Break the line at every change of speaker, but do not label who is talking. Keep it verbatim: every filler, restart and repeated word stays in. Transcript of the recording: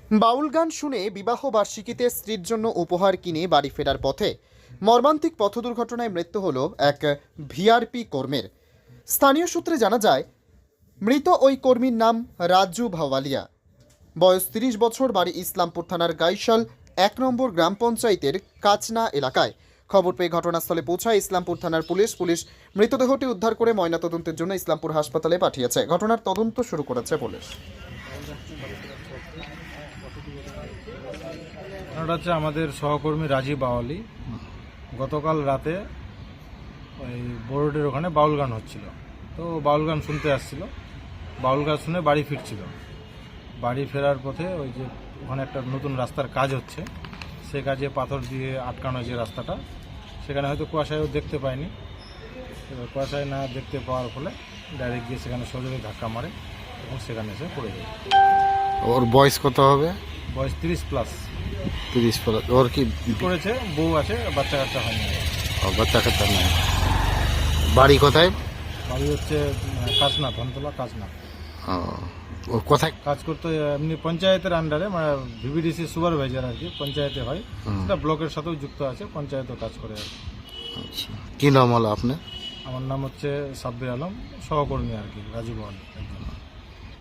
বাউল গান শুনে বিবাহ বার্ষিকীতে স্ত্রীর জন্য উপহার কিনে বাড়ি ফেরার পথে মর্মান্তিক পথ দুর্ঘটনায় মৃত্যু হলো এক ভিআরপি কর্মীর। স্থানীয় সূত্রে জানা যায়, মৃত ওই কর্মীর নাম রাজু ভাওয়ালিয়া, বয়স তিরিশ বছর, বাড়ি ইসলামপুর থানার গাইশাল এক নম্বর গ্রাম পঞ্চায়েতের কাচনা এলাকায়। খবর পেয়ে ঘটনাস্থলে পৌঁছায় ইসলামপুর থানার পুলিশ। পুলিশ মৃতদেহটি উদ্ধার করে ময়নাতদন্তের জন্য ইসলামপুর হাসপাতালে পাঠিয়েছে। ঘটনার তদন্ত শুরু করেছে পুলিশ।
ঘটনাটা হচ্ছে আমাদের সহকর্মী রাজীব বাওয়ালি গতকাল রাতে ওই বোর্ডের ওখানে বাউল গান হচ্ছিল, তো বাউল গান শুনতে আসছিল। বাউল গান শুনে বাড়ি ফিরছিল। বাড়ি ফেরার পথে ওই যে ওখানে একটা নতুন রাস্তার কাজ হচ্ছে, সে কাজে পাথর দিয়ে আটকানো যে রাস্তাটা, সেখানে হয়তো কুয়াশায়ও দেখতে পায়নি। এবার কুয়াশায় না দেখতে পাওয়ার ফলে ডাইরেক্ট গিয়ে সেখানে সজোরে ধাক্কা মারে এবং সেখানে এসে পড়ে যায়।
ওর বয়স কত হবে?
বয়স তিরিশ প্লাস
তিরিশ প্লাস। ওর কি
করেছে, বউ আছে, বাচ্চা কাচ্চা হয়নি।
ও, বাচ্চা কাচ্চা নেই। বাড়ি কোথায়?
বাড়ি হচ্ছে কাজনা, ধনতলা কাজনা।
ও, ও কোথায়
কাজ করতে এমনি পঞ্চায়েতের আন্ডারে, মানে ভিভিডিসি সুপারভাইজার আর কি, পঞ্চায়েতে হয়। সেটা ব্লকের সাথেও যুক্ত আছে, পঞ্চায়েতও কাজ করে আর কি।
আচ্ছা, কি নাম হলো আপনার?
আমার নাম হচ্ছে সাব্বির আলম, সহকর্মী আর কি, রাজীব আলম।